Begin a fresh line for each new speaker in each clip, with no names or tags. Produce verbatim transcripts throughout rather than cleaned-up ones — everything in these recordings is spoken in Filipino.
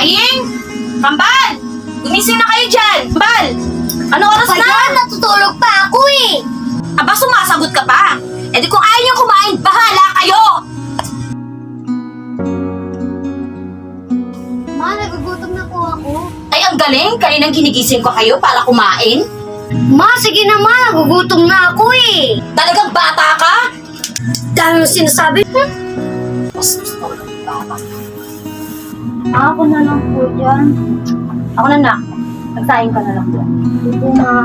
Aying! Kambal! Gumising na kayo dyan! Kambal! Ano oras na?
Kaya natutulog pa ako eh!
Aba, sumasagot ka pa! E di kung ayaw niyong kumain, bahala kayo!
Ma, nagugutom na po ako.
Ay, ang galing! Kaninang ginigising ko kayo para kumain?
Ma, sige na ma, nagugutom na ako eh!
Talagang bata ka?
Dami mo sinasabi. Hmm?
Mas gusto ko ng bata.
Ako na lang po dyan.
Ako na na. Magsahin ka na lang dyan.
Ito ma.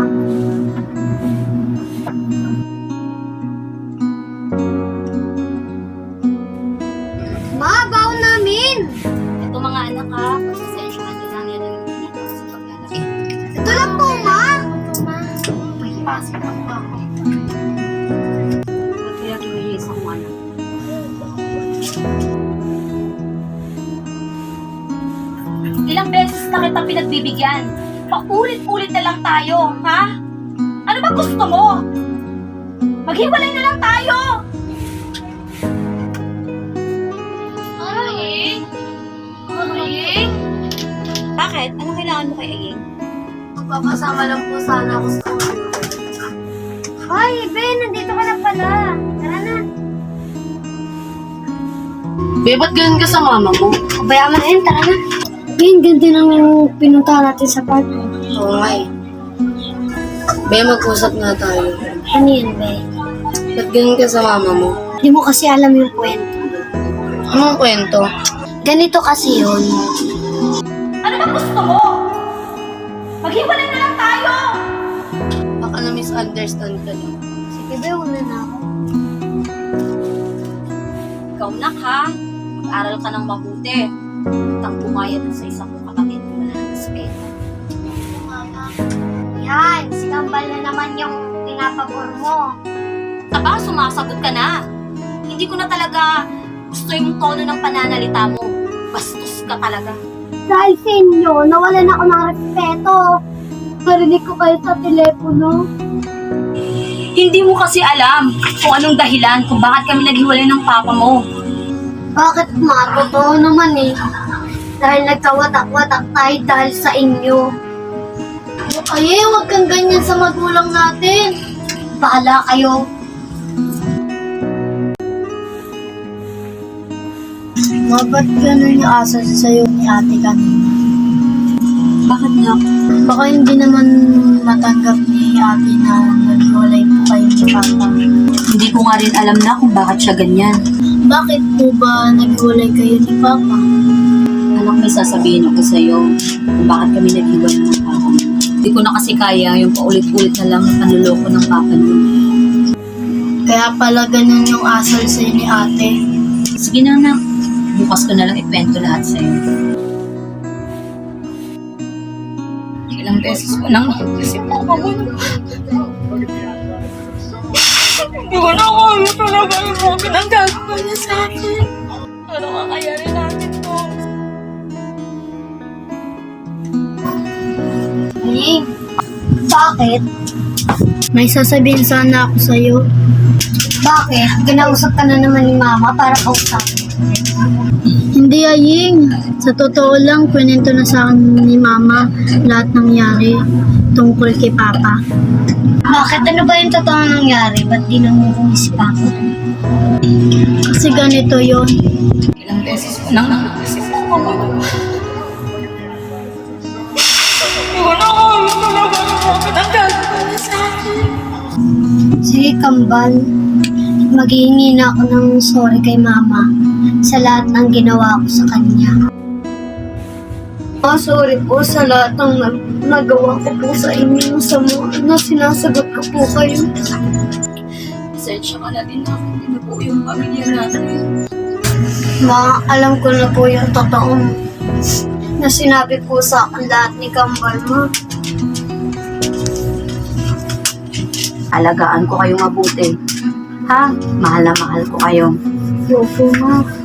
Ma, baon namin!
Ito mga anak ha, pasasensyahan nyo lang yan ang dito sa paglalaki.
Ito lang po, ma!
May pasok ako ako. Ba't kaya kiwilis ako anak? Ilang beses na kita pinagbibigyan. Paulit-ulit na lang tayo, ha? Ano ba gusto mo? Maghiwalay na lang tayo! Aying? Aying? Bakit? Ano kailangan mo kay Aying?
Magpapasama lang po sana ako sa kanya. Ay, Ben, nandito ka na pala. Tara na.
Be, ba't ganun ka sa mama mo?
Kabayaan mo na yun, tara na. Ben, ganda nang pinunta natin sa park.
Oo nga eh. Be, mag-usap nga tayo.
Ano yun, Ben?
Ba't ganun ka sa mama mo?
Hindi mo kasi alam yung kwento.
Anong kwento?
Ganito kasi yun.
Ano ba gusto mo? Maghiwalay na lang tayo!
Baka na-misunderstand ka lang.
Sige, Ben, una na ako.
Ikaw nak ha, mag-aral ka ng mabuti. Tang bumayad sa isang kapatid mo na ng respeto.
Yan, si Kambal na naman yung pinapabor mo.
Aba, sumasagot ka na. Hindi ko na talaga gusto yung tono ng pananalita mo. Bastos ka talaga.
Dahil sa inyo, nawalan ako ng respeto. Narinig ko kayo sa telepono.
Hindi mo kasi alam kung anong dahilan kung bakit kami naghiwalay ng papa mo.
Bakit ma? Totoo naman eh. Dahil nagkawatak-watak tayo dahil sa inyo. Ay, huwag kang ganyan sa magulang natin. Bahala kayo. Ma, ba't ganun yung asa sa'yo ni ate kanina?
Bakit nga?
Baka hindi naman matanggap ni ate na naghiwalay po kayo ni Papa.
Hindi ko nga rin alam na kung bakit siya ganyan.
Bakit po ba naghiwalay kayo ni Papa?
Anak, may sasabihin ako sa'yo kung bakit kami naghiwalay ng papa mo. Hindi ko na kasi kaya yung paulit-ulit na lang na panluloko ng papa mo.
Kaya pala ganun yung asal sa'yo ni ate.
Sige na anak, bukas ko na lang ikwento lahat sa'yo. Ilang beses ko nang naisip mo ako mo. Hindi ko na kaya talaga yung mga pinagagawa niya sa akin. Ano kakayarin natin to?
Ning, bakit? May sasabihin sana ako sa'yo. Bakit? Ginausap ka na naman ni Mama para kausapin. Hindi, Aying. Sa totoo lang, kwento na sa akin ni Mama lahat nangyari tungkol kay Papa. Bakit? Ano ba yung totoo nangyari? Ba't di namumuhay si Papa? Kasi ganito yon.
Ilang beses ko nang naisip mo ako mo. Hindi ko na kaya talaga yung mga pinagagawa niya sa akin.
Sige, Kambal. Maghihingi na ako ng sorry kay Mama sa lahat ng ginawa ko sa kanya. Ah, sorry po sa lahat ng nag- nagawa ko po sa inyo sa mga na sinasagot ko po kayo.
Pasensya ka na din ako. Pinubuo yung pamilya natin.
Ma, alam ko na po yung totoong na sinabi po sa akin lahat ni Kambal, Ma.
Alagaan ko kayong mabuti. Ha? Mahal na mahal ko kayo.
Opo, Ma.